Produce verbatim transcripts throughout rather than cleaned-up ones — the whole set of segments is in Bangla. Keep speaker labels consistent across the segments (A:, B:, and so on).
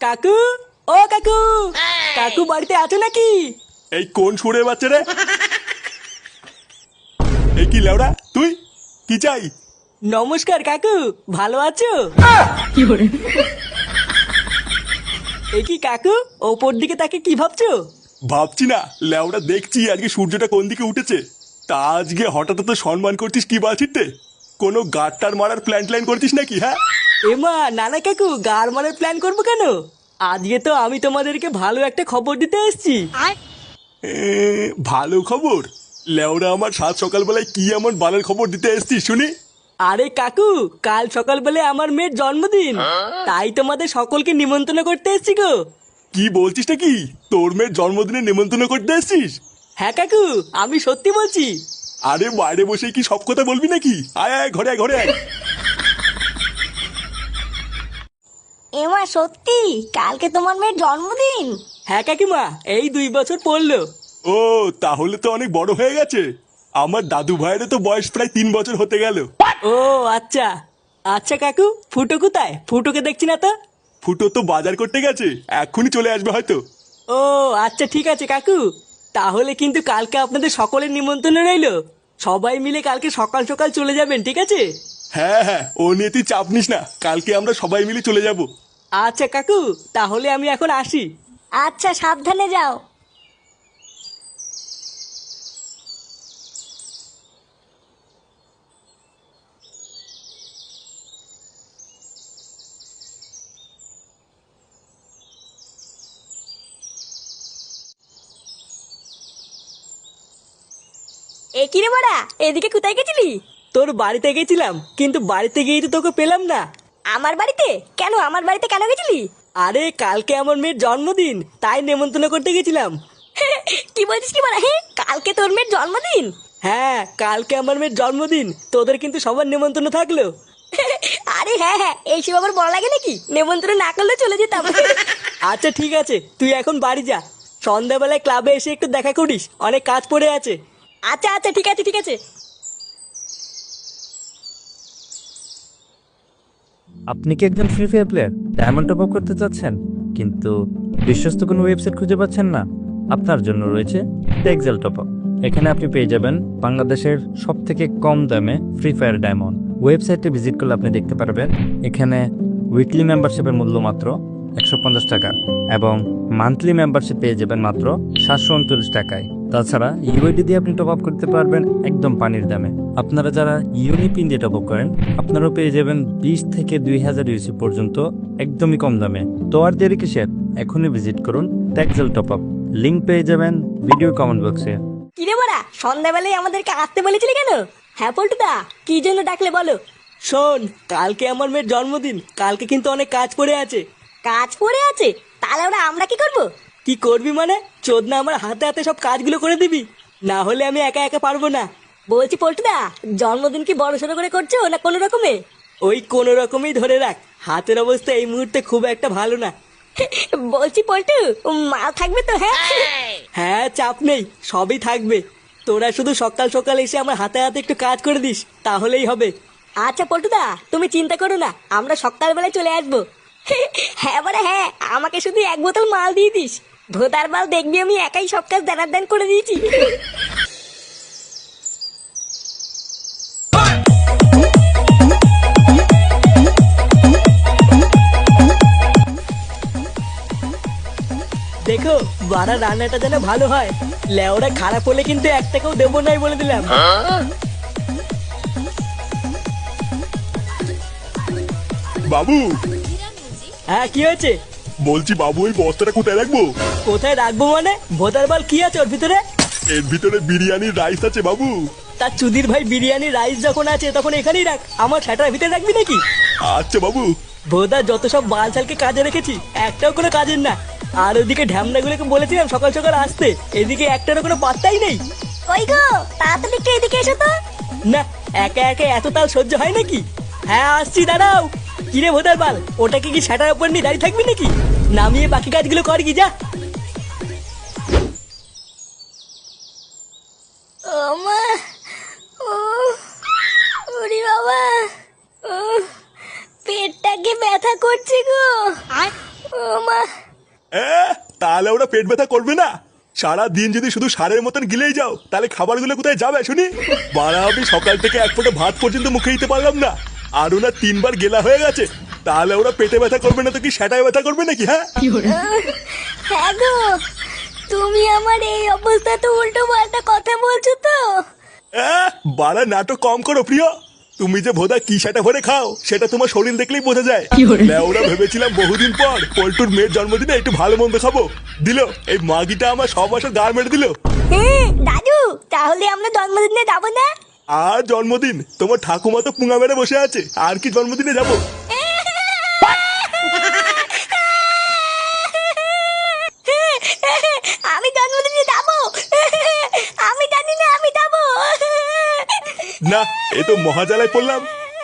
A: কাকু, ও কাকু, কাকু বাড়িতে আছো নাকি?
B: এই কোন সুরের বাচ্চা রে? এই কি লেওড়া তুই? কি চাই?
A: নমস্কার কাকু, ভালো আছো? এই কি কাকু, ওপর দিকে তাকে কি ভাবছো?
B: ভাবছি না, লেওড়া দেখছি আজকে সূর্যটা কোন দিকে উঠেছে। তা আজকে হঠাৎ তো সম্মান করছিস কি বাছিতে? কোনো গাড়টার মারার প্ল্যান ট্ল্যান করছিস নাকি? হ্যাঁ
A: এমা নানা কাকু, গার মারার প্ল্যান করবো কেন? আজকে তো আমি তোমাদেরকে ভালো একটা খবর দিতে এসেছি।
B: এ, ভালো খবর? লেওড়া আমার সাত সকালবেলায় কি এমন বালের খবর দিতে এসছিস শুনি?
A: আরে কাকু, কাল সকালবেলা আমার মেয়ের জন্মদিন, তাই তোমাদের সকলকে নিমন্ত্রণ করতে এসেছি গো।
B: কি বলছিস নাকি? তোর মেয়ের জন্মদিনে নেমন্তন্ন করতে এসছিস?
A: হ্যাঁ কাকু, আমি সত্যি বলছি।
B: আরে বাইরে বসে কি সব কথা বলবি নাকি? আয় আয় ঘরে আয় ঘরে আয়।
C: এমা সত্যি কালকে তোমার মেয়ের জন্মদিন?
A: হ্যাঁ কাকিমা, এই দুই বছর পড়লো।
B: ও তাহলে তো অনেক বড় হয়ে গেছে। আমার দাদু ভাইয়ের তো বয়স প্রায় তিন বছর হতে গেল।
A: ও আচ্ছা। আচ্ছা কাকু, ফুটো কোথায়? ফুটোকে দেখছি না তো।
B: ফুটো তো বাজার করতে গেছে, এক্ষুনি চলে আসবে হয়তো।
A: ও আচ্ছা ঠিক আছে কাকু, তাহলে কিন্তু কালকে আপনাদের সকলের নিমন্ত্রণ রইলো। সবাই মিলে কালকে সকাল সকাল চলে যাবেন, ঠিক আছে?
B: হ্যাঁ হ্যাঁ, ও নিয়ে তুই চাপ নিস না, কালকে আমরা সবাই মিলে চলে যাব।
A: আচ্ছা কাকু, তাহলে আমি এখন আসি।
C: আচ্ছা সাবধানে যাও। এ কি রে বড়া, এদিকে কোথায় গেছিলি?
A: তোর বাড়িতে গেছিলাম, কিন্তু বাড়িতে গিয়েই তো তোকে পেলাম না।
C: আমার বাড়িতে? কেন আমার বাড়িতে কেন গেছিলি?
A: আরে কালকে আমার মেয়ের জন্মদিন, তাই নেমন্তন্ন করতে গেছিলাম।
C: কি বলছিস কি বড়া? হ্যাঁ, কালকে তোর মেয়ের জন্মদিন?
A: হ্যাঁ কালকে আমার মেয়ের জন্মদিন, তোদের কিন্তু সবার নেমন্তন্ন থাকলো।
C: আরে হ্যাঁ হ্যাঁ, এইসব আবার বড় লাগে নাকি? নেমন্ত্রণ না করলে চলে যেতাম।
A: আচ্ছা ঠিক আছে, তুই এখন বাড়ি যা। সন্ধ্যাবেলায় ক্লাবে এসে একটু দেখা করিস, অনেক কাজ পড়ে আছে।
C: আচ্ছা আচ্ছা ঠিক আছে ঠিক আছে।
D: আপনি কি একজন Free Fire player diamond top up করতে চাচ্ছেন, কিন্তু বিশ্বস্ত কোনো ওয়েবসাইট খুঁজে পাচ্ছেন না? আপনার জন্য রয়েছে টেক্সেল টপ আপ। এখানে আপনি পেয়ে যাবেন বাংলাদেশের সব থেকে কম দামে ফ্রি ফায়ার ডায়মন্ড। ওয়েবসাইটে ভিজিট করলে আপনি দেখতে পারবেন এখানে উইকলি মেম্বারশিপের মূল্য মাত্র একশো পঞ্চাশ টাকা এবং মান্থলি মেম্বারশিপ পেয়ে যাবেন মাত্র সাতশো উনচল্লিশ টাকায়। তাছাড়া ইউআইডি দিয়ে আপনি টপ আপ করতে পারবেন একদম পানির দামে। আপনারা যারা ইউনিপিন দিয়ে টপ আপ করেন, আপনারাও পেয়ে যাবেন বিশ থেকে দুই হাজার ইউসি পর্যন্ত একদমই কম দামে। তো আর দেরি কিসের, এখনই ভিজিট করুন টেক্সেল টপ আপ। লিঙ্ক পেয়ে যাবেন ভিডিও কমেন্ট বক্সে।
C: কি রে বড়া, সন্ধ্যাবেলায় আমাদেরকে আসতে বলেছিলি কেন? হ্যাঁ পল্টুদা, কি জন্য ডাকলে বলো?
A: শোন, কালকে আমার মেয়ের জন্মদিন, কালকে কিন্তু অনেক কাজ পড়ে আছে।
C: কাজ পড়ে আছে? তাহলে ওরা আমরা কি করব?
A: কি করবি মানে? চোদনা আমার হাতে হাতে সব কাজগুলো করে দিবি, না হলে আমি একা একা পারবো না।
C: বলছি পল্টুদা, জন্মদিন কি বড় সড়ো করে করছো না কোনো রকমে?
A: ওই কোনো রকমই ধরে রাখ, হাতের অবস্থা এই মুহূর্তে খুব একটা ভালো না।
C: বলছি পল্টু, মাল থাকবে তো? হ্যাঁ
A: হ্যাঁ চাপ নেই, সবই থাকবে। তোরা শুধু সকাল সকাল এসে আমার হাতে হাতে একটু কাজ করে দিস, তাহলেই হবে।
C: আচ্ছা পল্টুদা, তুমি চিন্তা করো না, আমরা সকালবেলায় চলে আসবো। হ্যাঁ বড়া হ্যাঁ, আমাকে শুধু এক বোতল মাল দিয়ে দিস। ভোদার মাল দেখবি আমি একাই সব কাজ দানার দান করে দিয়েছি।
A: দেখো বাড়া, রান্নাটা যেন ভালো হয়। লেওরা খারাপ হলে কিন্তু এক টাকাও দেবো নাই বলে দিলাম।
B: বাবু,
A: হ্যাঁ কি হয়েছে?
B: বলছি বাবু ওই বস্তাটা কোথায় রাখবো?
A: কোথায় রাখবো মানে? ভোদার বাল কি আছে ওর ভিতরে?
B: এর ভিতরে বিরিয়ানির রাইস আছে বাবু।
A: তার চুদির ভাই, বিরিয়ানি রাইস যখন আছে তখন এখানেই রাখ, আমার ছাটার ভিতরে রাখবি নাকি?
B: আচ্ছা বাবু।
A: ভোদা যত সব বালছালকে কাজে রেখেছি, একটাও কোনো কাজের না। আর ওদিকে ঢ্যামনাগুলোকে বলেছিলাম সকাল সকাল আসতে, এদিকে একটারও কোনো পাত্তাই নেই।
C: ওই গো, তাড়াতাড়ি একটু এদিকে এসো তো।
A: না, একা একা এত তাল সহ্য হয় নাকি? হ্যাঁ আসছি, দাঁড়াও। কিরে ভোদার বাল, ওটাকে কি ছাটার উপর নিয়ে দাঁড়িয়ে থাকবি নাকি? নামিয়ে বাকি কাজগুলো কর কি, যা।
C: ও মা, ও ওরে বাবা, ও পেটটাকে ব্যথা করছে গো। ও মা,
B: এ, তাহলে ওরা পেট ব্যথা করবে না? সারা দিন যদি শুধু সারের মতন গিলেই যাও তাহলে খাবারগুলো কোথায় যাবে শুনি? বাড়া, আমি সকাল থেকে এক ফোঁটা ভাত পর্যন্ত মুখে দিতে পারলাম না, আর ওরা তিনবার গেলা হয়ে গেছে। তাহলে ওরা পেটে ব্যথা করবে না তো কি সেটাই ব্যথা করবে নাকি? হ্যাঁ
C: হ্যাঁ গো, তুমি আমার এই অবস্থা তো উল্টো পাল্টা কথা বলছো তো।
B: আহ, বাড়া নাটক কম করো প্রিয়। তুমি যে ভোদা কি সেটা ভরে খাও সেটা তোমার শরীর দেখলেই বোঝা যায়। ওরা ভেবেছিলাম বহুদিন পর পল্টুর মেয়ের জন্মদিনে একটু ভালো মন্দ খাবো, দিল এই মাগিটা আমার সব বছর গাড় মেরে দিল।
C: হ্যাঁ দাদু, তাহলে আমরা জন্মদিনে যাবো না?
B: আর জন্মদিন? তোমার ঠাকুমা তো পুঙা মেরে বসে আছে, আর কি জন্মদিনে যাবো?
C: আমি জন্মদিনে যাবো, আমি জানি না আমি যাবো।
B: না, এ তো মহাজালায় পড়লাম।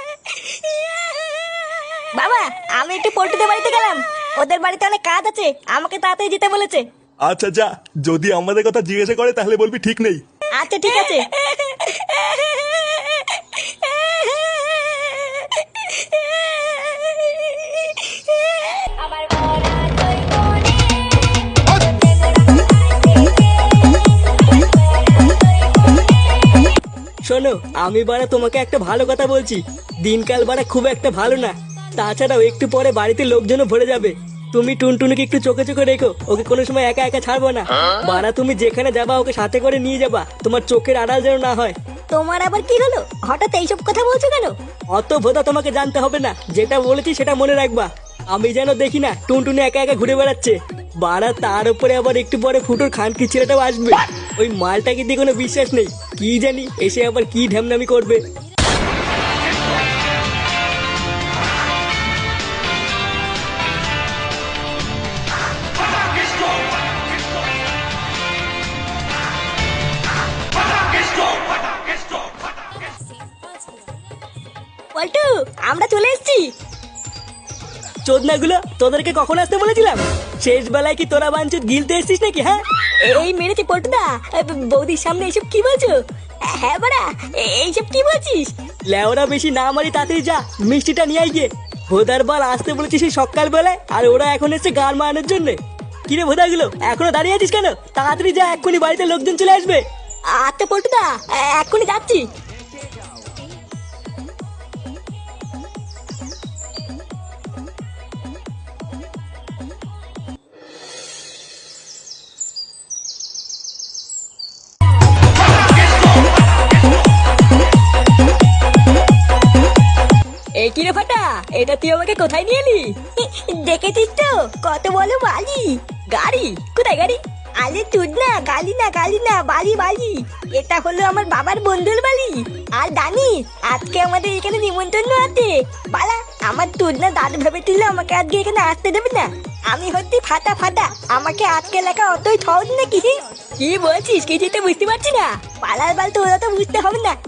C: বাবা, আমি একটু পল্টুদের বাড়িতে গেলাম, ওদের বাড়িতে অনেক কাজ আছে, আমাকে তাড়াতাড়ি যেতে বলেছে।
B: আচ্ছা যা, যদি আমাদের কথা জিজ্ঞাসা করে তাহলে বলবি ঠিক নেই।
C: আচ্ছা ঠিক আছে।
A: শোনো, আমি বাড়া তোমাকে একটা ভালো কথা বলছি, দিনকাল বাড়া খুব একটা ভালো না। তাছাড়াও একটু পরে বাড়িতে লোকজনও ভরে যাবে। তুমি টুনটুনিকে একটু চোখে চোখে রেখো, ওকে কোনো সময় একা একা ছাড়বো না। বাড়া তুমি যেখানে যাবা ওকে সাথে করে নিয়ে যাবা, তোমার চোখের আড়াল যেন না হয়।
C: তোমার আবার কি হলো, হঠাৎ এইসব কথা বলছো কেন?
A: অত ভোদা তোমাকে জানতে হবে না, যেটা বলেছি সেটা মনে রাখবা। আমি যেন দেখি না টুনটুনি একা একা ঘুরে বেড়াচ্ছে। বাড়া তার উপরে আবার একটু পরে ফুটোর খানকি ছেলেটাও আসবে। ওই মালটাকে দিয়ে কোনো বিশ্বাস নেই, কি জানি এসে আবার কি ঢ্যামনামি করবে।
C: পল্টু, আমরা চলে এসেছি।
A: চোদনাগুলো, তোদেরকে কখন আসতে বলেছিলাম? শেষ বেলায় কি তোরা বাঞ্চুত গিলতে এসছিস নাকি? হ্যাঁ
C: এই মেরেছে পল্টুদা, বৌদির সামনে এইসব কি বলছো? হ্যাঁ বাড়া, এইসব কি বলছিস?
A: লেওরা বেশি না মারি, তাড়াতাড়ি যা মিষ্টিটা নিয়ে আই গিয়ে। ভোদার বাল আসতে বলেছিস সেই সকাল বেলায়, আর ওরা এখন এসছে গান মারানোর জন্য। কিরে ভোদাগুলো, এখনো দাঁড়িয়ে আছিস কেন? তাড়াতাড়ি যা, এক্ষুনি বাড়িতে লোকজন চলে আসবে।
C: আচ্ছা পল্টুদা, এক্ষুনি যাচ্ছি।
A: এই কিরে ফাটা, এটা তুই আমাকে কোথায় নিয়ে এলি?
C: দেখেছিস তো কত বলো বালি।
A: গাড়ি? কোথায় গাড়ি?
C: আরে তুই না, গালি না গালি না, বালি বালি। এটা হলো আমার বাবার বন্ধুর বাড়ি। আর জানি আজকে আমাদের এখানে নিমন্ত্রণ আছে। বালা, আমার তুই না দাদু ভেবেছিল আমাকে আজকে এখানে আসতে দেবে না। আমি হচ্ছি ফাটা ফাটা, আমাকে আজকে লেখা অতই সহজ নাকি?
A: কি বলছিস, কিছুই তো বুঝতে পারছি না।
C: পালার বাল তো ওরা তো বুঝতে হবে না।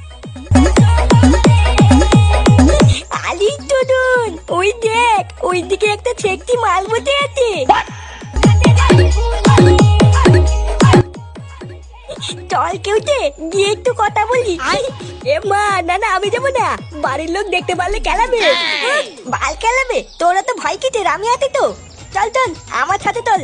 C: আলি টুডুন, ওই দেখ, ওই দিকে একটা ছেকটি মাল বসে আছে। চল কেউতে গিয়ে একটু কথা বলি।
A: এ মা, না না আমি যাবো না, বাড়ির লোক দেখতে পারলে কেলাবে।
C: বাল খেলাবে? তোরা তো ভয় কিসের, আমি আছি তো। চল চল আমার সাথে চল।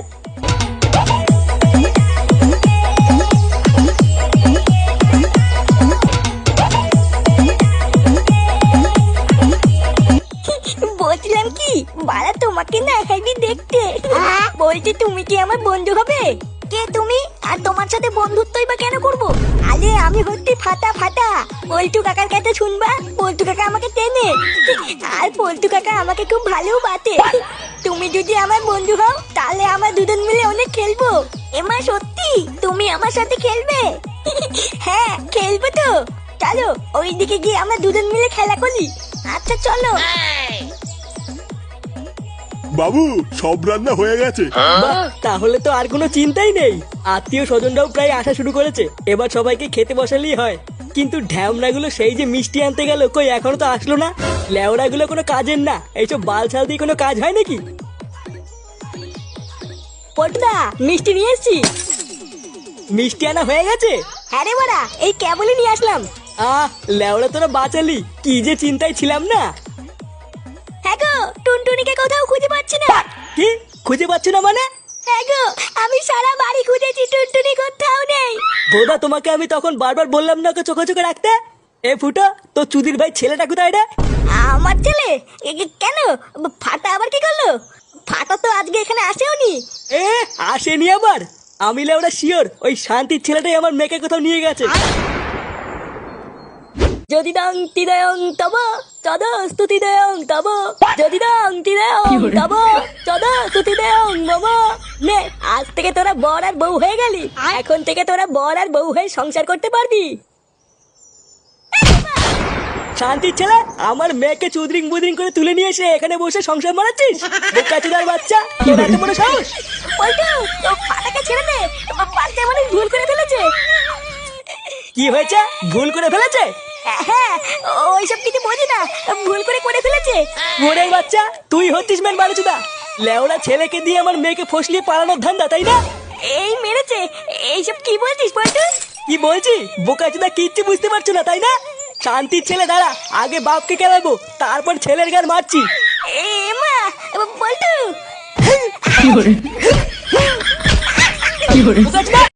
C: বলছিলাম কি, বাড়া তোমাকে না হেভি দেখতে। বলছি তুমি কি আমার বন্ধু হবে? কে তুমি? আর তোমার সাথে বন্ধুত্বই বা কেন করবো? আরে আমি হচ্ছি ফাটা ফাটা, পল্টু কাকার কাছে শুনবা, পল্টু কাকা আমাকে চেনে। আর পল্টু কাকা আমাকে খুব ভালো বাতে। তুমি যদি আমার বন্ধু হও তাহলে আমরা দুজন মিলে অনেক খেলবো। এমা সত্যি তুমি আমার সাথে খেলবে? হ্যাঁ খেলবো তো। চলো ওইদিকে গিয়ে আমরা দুজন মিলে খেলা করি। আচ্ছা চলো।
B: বাবু, সব রান্না হয়ে গেছে।
A: বাহ, তাহলে তো আর কোনো চিন্তাই নেই। আত্মীয় স্বজনরাও প্রায় আসা শুরু করেছে, এবার সবাইকে খেতে বসালেই হয়। কিন্তু ঢ্যামনাগুলো সেই যে মিষ্টি আনতে গেল, কই এখনো তো আসলো না। লেওড়াগুলো কোনো কাজের না, এইসব বাল ছাল দিয়ে কোনো কাজ হয় নাকি?
C: পটুদা, মিষ্টি নিয়ে এসছি।
A: মিষ্টি আনা হয়ে গেছে?
C: হ্যাঁ রে বাড়া, এই কেবলই নিয়ে আসলাম।
A: আহ, লেওড়া তোরা বাঁচালি, কি যে চিন্তায় ছিলাম না।
C: হ্যাঁ গো, টুনটুনিকে কোথাও খুঁজে পাচ্ছি না।
A: কি? খুঁজে পাচ্ছ না মানে?
C: হ্যাঁ গো, আমি সারা বাড়ি খুঁজেছি, টুনটুনি কোথাও নেই।
A: বোধা তোমাকে আমি তখন বারবার বললাম না ওকে চোখে চোখে রাখতে। এ ফুটো, তো চুদির ভাই ছেলেটা কোথায় রে?
C: আমার ছেলে? এ, এ, কেন? ফাটা আবার কি করলো? ফাটা তো আজকে এখানে আসেওনি।
A: এ আসেনি আবার? আমি লেওরা শিওর ওই শান্তির ছেলেটাই আমার মেয়েকে কোথাও নিয়ে গেছে।
C: যদি দং তিদয়ং তব তদ স্তুতি দেয়ং তব, যদি দং তিদয়ং তব তদ স্তুতি দেয়ং মম। নে, আজ থেকে তোরা বর আর বউ হয়ে গেলি। এখন থেকে তোরা বর আর বউ হয়ে সংসার করতে পারবি।
A: শান্তির ছেলে, আমার মেয়েকে চুদরিং বুদরিং করে তুলে নিয়ে এসে এখানে বসে সংসার মারাচ্ছিস? বোকাচোদার বাচ্চা, তোর এত বড় সাহস!
C: পল্টু, ও ফাটাকে ছেড়ে দে, বাচ্চা মানে ভুল করে ফেলেছে।
A: কি হয়েছে? ভুল করে ফেলেছে?
C: হ্যাঁ, ওইসব কিছু বোঝি না, ভুল করে করে ফেলেছে।
A: ওরে বাচ্চা, তুই হচ্ছিস মেন বারুচুদা। লেওড়া ছেলেকে দিয়ে আমার মেয়েকে ফসলিয়ে পালানোর ধান্দা, তাই না?
C: এই মেরেছে, এইসব কি বলছিস পল্টু?
A: কি বলছি? বোকাচোদা কিচ্ছু বুঝতে পারছো না, তাই না? শান্তির ছেলে, দাঁড়া, আগে বাপকে কেলাবো, তারপর ছেলের গান মারছি।
C: এ মা, পল্টু।
A: বোকাচোদা!